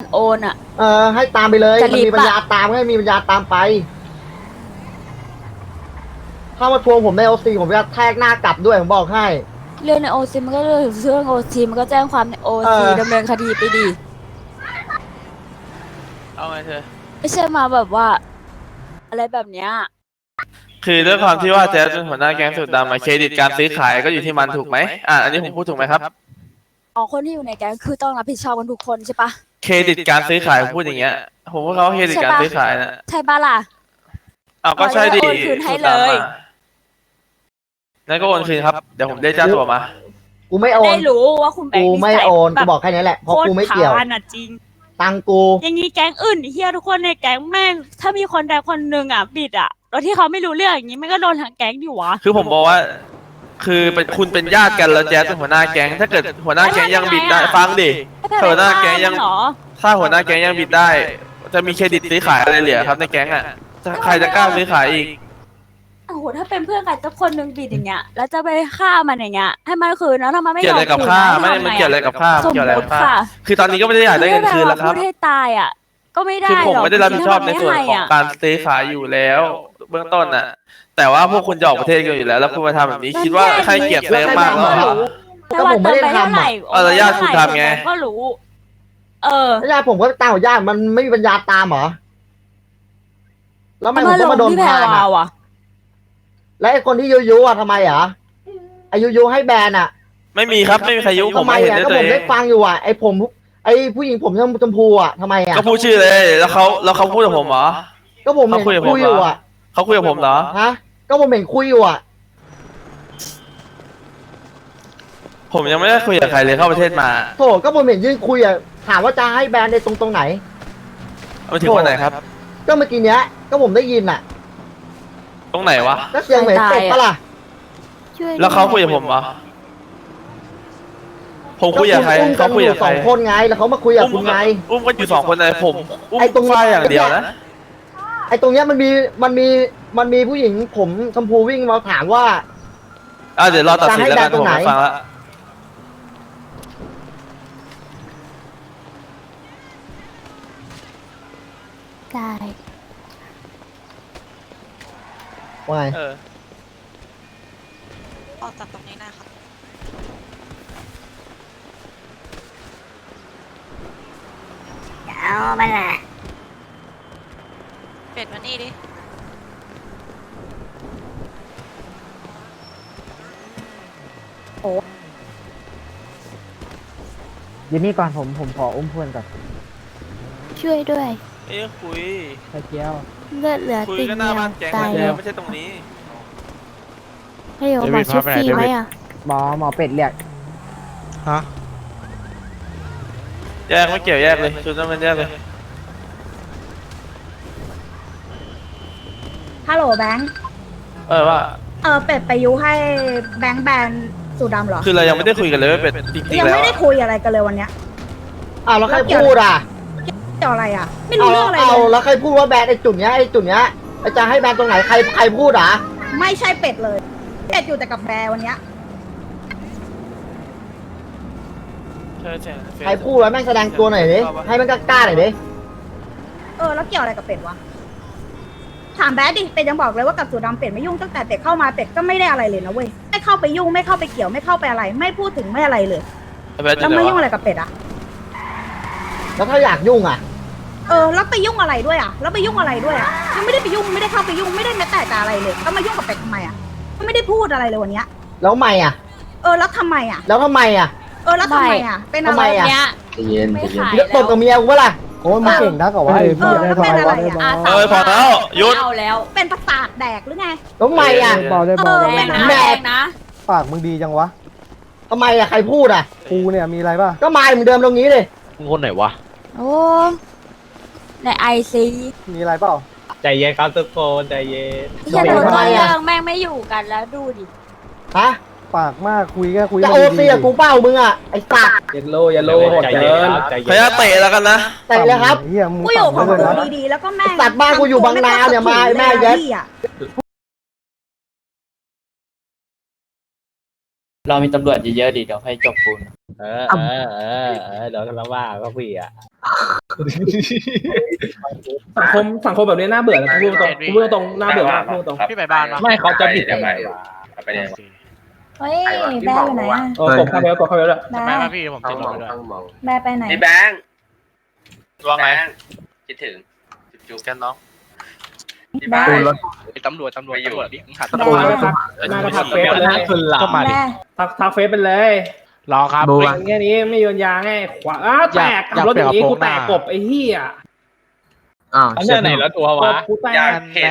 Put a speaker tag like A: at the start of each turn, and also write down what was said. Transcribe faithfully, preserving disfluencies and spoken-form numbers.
A: โอนอ่ะ
B: เออให้ตามไปเลย
A: จะ
B: มัน
A: รีบ
B: มีปัญญา
A: ปะ
B: ตามก็ให้มีปัญญาตามไปถ้ามาทวงผมในโอซีผมจะแทกหน้ากลับด้วยผมบอกให้
A: เรื่องในโอซีมันก็เรื่องเรื่องโอซีมันก็แจ้งความในโอ
B: เอ
A: ซี
B: อ
A: ดำเนินคดีไปดี
C: เอาไงเธอ
A: ไม่ใช่มาแบบว่า อะไรแบบเนี้ย
C: คือด้วยความที่ว่าแจ๊สเป็นหัวหน้าแก๊งสุดดำมาเครดิตการซื้อขายก็อยู่ที่มันถูกไหมอ่ะอันนี้ผมพูดถูกไหมครับ
A: อ๋อคนที่อยู่ในแก๊งคือต้องรับผิดชอบกันทุกคนใช่ปะ
C: เครดิตการซื้อขายผมพูดอย่างเงี้ยผมว่าเขาเครดิตการซื้อขายนะ
A: ใช่ปะล่ะ
C: เอาก็ใช่ดิ
A: โอนคืนให้
C: สุดดำ
A: เลย
C: อ่ะงั้นก็โอนคืนครับเดี๋ยวผมได้เจ้าตัวมา
B: กูไม่โอน
A: ได้รู้ว่าคุณแบง
B: กู
A: ค์
B: ไม่
A: นิสัย
B: โอน
A: แบ
B: กู
A: บ
B: บอกแค่นี้แหละเพราะกูไม่เกี่ยว
A: โคตรผ่านอ่ะจริง
B: ตังกู
A: อย่างนี้แก๊งอื่นเฮียทุกคนในแก๊งแม่งถ้ามีคนใดคนหนึ่งอ่ะบิดอ่ะแล้วที่เขาไม่รู้เรื่องอย่างนี้มันก็โดนทางแก๊งอยู่วะ
C: คือผมบอกว่า คือเป็นคุณเป็นญาติกันแล้วแจ๊สเป็นหัวหน้าแก๊งถ้าเกิดหัวหน้าแก๊งยังบิดได้ฟังดิ ถ้าหัวหน้าแก๊งยัง
A: เหรอ
C: ถ้าหัวหน้าแก๊งยังบิดได้ จะมีเครดิตซื้อขายอะไรเหลือครับในแก๊งอ่ะจะใครจะกล้าซื้อขายอีก
A: โอ้โหถ้าเป็นเพื่อนกันสักคนหนึ่งบิดอย่างเงี้ยแล้วจะไปฆ่ามันอย่างเงี้ยให้มันคืนแล้วถ้ามันไม่
C: เกี่
A: ย
C: ยว
A: อ
C: อะ
A: ม
C: ไรกับ
A: คืน
C: ข้า
A: ให้
C: ไม่ได้
A: ทำ
C: มัน
A: ไง
C: เกี่ยวอะไรกับข้า
A: สม
C: เกี่ยวอะไร
A: ม
C: กับ
A: ติ
C: ข้า
A: ค่ะ
C: คือตอนนี้ก็ไม่ได้อยากได้เงินคืนแล้วครับ
A: พูดให้ตายอ่ะก็ไม่ได้
C: คือผม
A: หรอก
C: ไม่ได้รับผิดชอบในส่วนของการซื้อขายอยู่แล้ว เบื้องต้นน่ะ แต่ว่าพวกคุณจะออกประเทศกันอยู่แล้ว แล้วคุณมาทำแบบนี้คิดว่าให้เกียรติเซิร์ฟมากแล้วเหรอ
A: แต่ว่าเติมไปเท่าไหร่
C: เออญาติคุณทำไง
A: ก็รู้ เออ
B: แล้วญาติผมก็ตามของญาติมันไม่มีปัญญาตามเหรอแล้วทำไมผม
A: ล
B: ต้อง
A: ง
B: มาโดน
A: ที่แพร
B: พาน
A: วา
B: อ่ะ
A: วอ่ะ
B: แล้วไอ้คนที่ยุยุอ่ะทำไมอ่ะไอ้ยุยุให้แบนอ่ะ
C: ไม่มีครับไม่มีใครยุผม
B: ทำไม
C: ไม่เห็น
B: อ่ะ
C: ด้วย
B: ก็
C: ตัว
B: ผม
C: เอ
B: ได้
C: ง
B: ฟังอยู่อ่ะไอ้ผมไอ้ผู้หญิงผมชมพูอ่ะทำไมอ่ะ
C: ก็พูดชื่อเลย แล้วเขาแล้วเขาพูดกับผมเหรอ
B: ก็ผมเห็น
C: เขาคุยกับผม
B: คุยอยู่
C: เหรอ
B: อ่ะ
C: เขาคุยกับผมเหรอ
B: ฮะก็ผมเห็นคุยอยู่อ่ะ
C: ผมยังไม่ได้คุยกับใครเลยเข้าประเทศมา
B: โถก็ผมเห็นยืนคุยอ่ะถามว่าจะให้แบนในตรงตรงไหน
C: มาถึงวันไหนครับ
B: ก็เมื่อกี้เนี้ยก็ผมได้ยินอ่ะ
C: ตรงไหนวะ
B: ก็เสียงเหมือนเป็ดปะล่ะ
C: แล้วเขาคุยกับผมเหรอผมคุยกับใคร
B: ก็ณอุ้มกั
C: เขา
B: น
C: คุย
B: อ
C: กับ
B: ยู่
C: ใค
B: ส
C: ร
B: องคนไงแล้วเขามาคุยกับคุณไง
C: อุ้มกันอยู่สองคนเลยผมอุ้ม
B: ไอ้ตรง
C: ฝ้ายอย่างเดียวนะ
B: ไอ้ตรงเนี้ยมันมีมันมีมันมีผู้หญิงผมชมพูวิ่งมาถามว่า
C: อ่ะเดี๋ยวรอตัดสินแล้วกัน
B: จะให้แบนตร
C: ผ
B: ง
C: ม
B: ไหน
C: ไม่ฟังละ
A: ได้
B: ว่าไง
C: เออ
D: ออกจากตรงนี้นะครับ
A: เอามาละ
D: เป็ดมานี่ดิ
E: เดี๋ยวนี้ก่อนผมผมขออุ้มเพื่อนก่อน
F: ช่วยด้วย
C: เอ้ยคุย
E: ไข่เจียว
F: เลือดเหลือ
C: คุย
F: ติ่ง
C: กันห
F: เดี
C: น้า
F: ยว
C: บ้านแก๊ง
F: ตาย
C: เล
F: แล้
C: ยว ไม่ใช่ตรงนี้
F: ให้โยหมอชุบฟรีไหมอ่ะ
E: หมอหมอเป็ดเรียก
C: แยกไม่เกี่ยวแยกเลยชุดนั้นมันแยกเลย
G: ฮัลโหลแบงค์
C: เออว่า
G: เออเป็ดไปยุให้แบงค์แบนสูดดำเหรอ
C: คือเรายังไม่ได้คุยกันเลยว่าเป็นจริง
G: ยั
C: ๆ
G: ง
C: แล้ว
G: ไม่ได้คุยอะไรกันเลยวันเนี้ย
B: อ้าวแล้วใครพูดอ่ะ
G: เกี่ยวอะไรอ่ะ ไม่
B: เอา
G: รู้เรื่องอะไร
B: เอา
G: เลย
B: แล้วใครพูดว่าแบนไอ้จุดเนี้ยไอ้จุดเนี้ยไอ้จะให้แบนตรงไหนใครใครพูดอ่ะ
G: ไม่ใช่เป็ดเลย เป็ดอยู่แต่กับแบร์วันเนี้ย
C: ใช่ใช่
B: ใครพูดแล้วแม่งแสดงตัวหน่อยดิให้มันกล้าๆหน่อยดิ
G: เออแล้วเกี่ยวอะไรกับเป็ดวะ ถามแบดดิ เป็ดยังบอกเลยว่ากับสูดดำเป็ดไม่ยุ่งตั้งแต่เป็ดเข้ามาเป็ดก็ไม่ได้อะไรเลยนะเว้ย ไม่เข้าไปยุ่งไม่เข้าไปเกี่ยวไม่เข้าไปอะไร ไม่พูดถึงไม่อะไรเลย แล้วไม่ยุ่งอะไรกับเป็ดอ่ะ
B: แล้วถ้าอยากยุ่งอ่ะ
G: เออแล้วไปยุ่งอะไรด้วยอ่ะ แล้วไปยุ่งอะไรด้วยอ่ะยังไม่ได้ไปยุ่งไม่ได้เข้าไปยุ่งไม่ได้แม้แต่จะอะไรเลยแล้วมายุ่งกับเป็ดทำไมอ่ะก็ไม่ได้พูดอะไรเลยวันเนี้ย
B: แล้วทำไมอ่ะ
G: เออแล้วทำไมอ่ะ
B: แล้วทำไมอ่ะ
G: เออแล้วทำไมอ่ะ เป็นอะ
B: ทำ
G: ไร
B: ไมอะ
A: เนี้ย
B: เย็น
A: ไม่ขาย
B: เดี๋ยวตบกับเมียกูเปะล่า
E: โอ้ยมันเก่งนะกับว่า
G: เออแล้วเป็นอะไรอ่ะ
C: เออพอแล้วหยุด
A: ไม่เอาแล้ว
G: เป็นประสาทแดกหรือไง
B: แล้วทำไมอ่ะ
E: เบาได้เบา
G: เออ
A: แร
E: ได้
A: ง
E: เบา
A: นะ
B: แม่
A: แรงนะ
E: ปากมึงดีจังวะ
B: ทำไมอ่ะใครพูดอ่ะ
E: กูเนี่ยมีอะไรป่ะ
B: ก็มาเหมือนเดิมตรงนี้เลย
H: คนไหนวะ
A: โอ้ในไอซี
E: มีอะไรเปล่า
H: ใจเย็นครับทุกคนใจเย็น
A: ที่จะโดนต้นเรื่องแม่งไม่อยู่กันแล้วดูดิ
B: ฮะ
E: ปากมากคุยก็คุย
B: จะ
E: มา
B: โอ
E: ดี
B: ซีกับกูเป้ามึงอ่ะไอ้สัตว์
H: เย็นโลเย็นโลโหดเกินใจ
C: ข
H: เย็
C: ออนุญาตเตะแล้วกันนะ
B: แต่เลยครับ
E: เฮียมึง
G: กูอยู่ของ
E: ต่ำเหลื
G: กู
E: เกินนะ
G: ดีๆแล้วก็แม่ง
B: สัตว์บ้านกูอยู่บางนาเนี่ยมาแม่เย็ด
G: พี่อะ
D: เรามีตำรวจเยอะๆดิเดี๋ยวให้จบปูน
H: เออเออเออเออเดี๋ยวกันแล้วว่าก็พี่อ่ะ
I: สังคมสังคมแบบนี้น่าเบื่อนะพูดตรงพูดตรงน่าเบื่อมากพูดตรง
D: พี่ไปบ้านปะ
H: ไม่เขาจะผิดทำไมวะ
G: เฮ้ยแบร์อยู่ไหนอ่ะ
I: เออกดเข้าไปแล้วกดเข้าไปแล้ว
G: แบ
D: ไป
G: ร์
D: ปะพี่ผมติดรถด้วย
G: แบร์ไปไหน
C: พี่แบงค์ว่าไงคิดถึงจุ๊บกันน้อง
G: แบร์
D: ตำรวจตำรวจตำรวจดิหัด
G: แบร์
I: มาทักมาทักเฟซไปเลย
H: ก็มาดิ
G: แบร์
I: ทักทักเฟซไปเลย
D: รอครับ
I: เป็นแค่นี้ไม่โยนยาไงขวาอ้าแตกขับรถอย่างนี้กูแตกกบไอ้เหี้ย
H: อันนี้ไหนแล้วตัววะ
I: กูแตก